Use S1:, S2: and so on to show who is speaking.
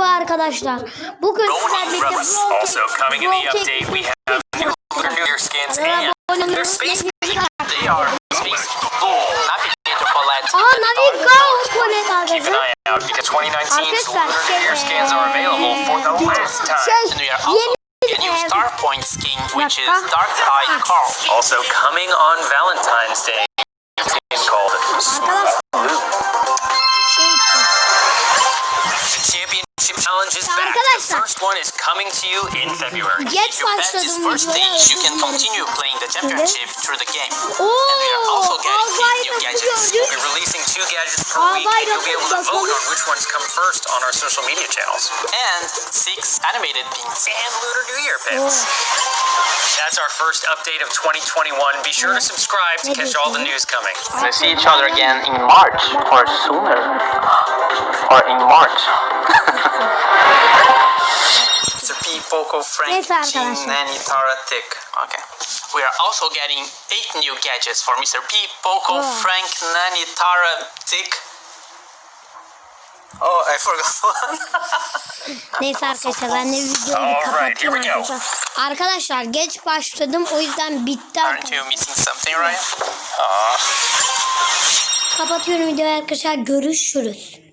S1: Merhaba arkadaşlar. Bugün sizlerle birlikte
S2: Also coming in the update, we have new year skins and their space. They are space full Navigator Palette.
S1: Navigator
S2: Keep an eye out because 2019's Lunar New Year skins are available for the last time.
S3: And we are also getting a new Star Point skin, which is Dark Eye Carl.
S2: Also coming on Valentine's Day, a skin called Smooth Blue. The Championship Challenge is back. The first one is coming to you in February.
S1: Geç
S3: If you pass this
S1: başladım
S3: first stage, you can continue playing the championship through the game. And we are also getting 8 new gadgets.
S2: We'll be releasing 2 gadgets per week, and you'll be able to vote on which ones come first on our social media channels.
S3: And 6 animated pins.
S2: And Lunar New Year pins. That's our first update of 2021. Be sure to subscribe to catch all the news coming.
S3: We'll see each other again in March or sooner. Or in March. Mr. P, Poco, Frank,
S1: Neyse
S3: Jean,
S1: arkadaşlar.
S3: Nanny, Tara, Tick. Okay. We are also getting 8 new gadgets for Mr. P, Poco, Frank, Nanny, Tara, Tick. Oh, I forgot one.
S1: Neyse arkadaşlar, ben de videoyu
S2: Alright,
S1: kapatıyorum
S2: here we go.
S1: arkadaşlar. Arkadaşlar geç başladım, o yüzden bitti
S3: Aren't
S1: arkadaşlar.
S3: you missing something, Ryan?
S1: Kapatıyorum videoyu arkadaşlar, görüşürüz.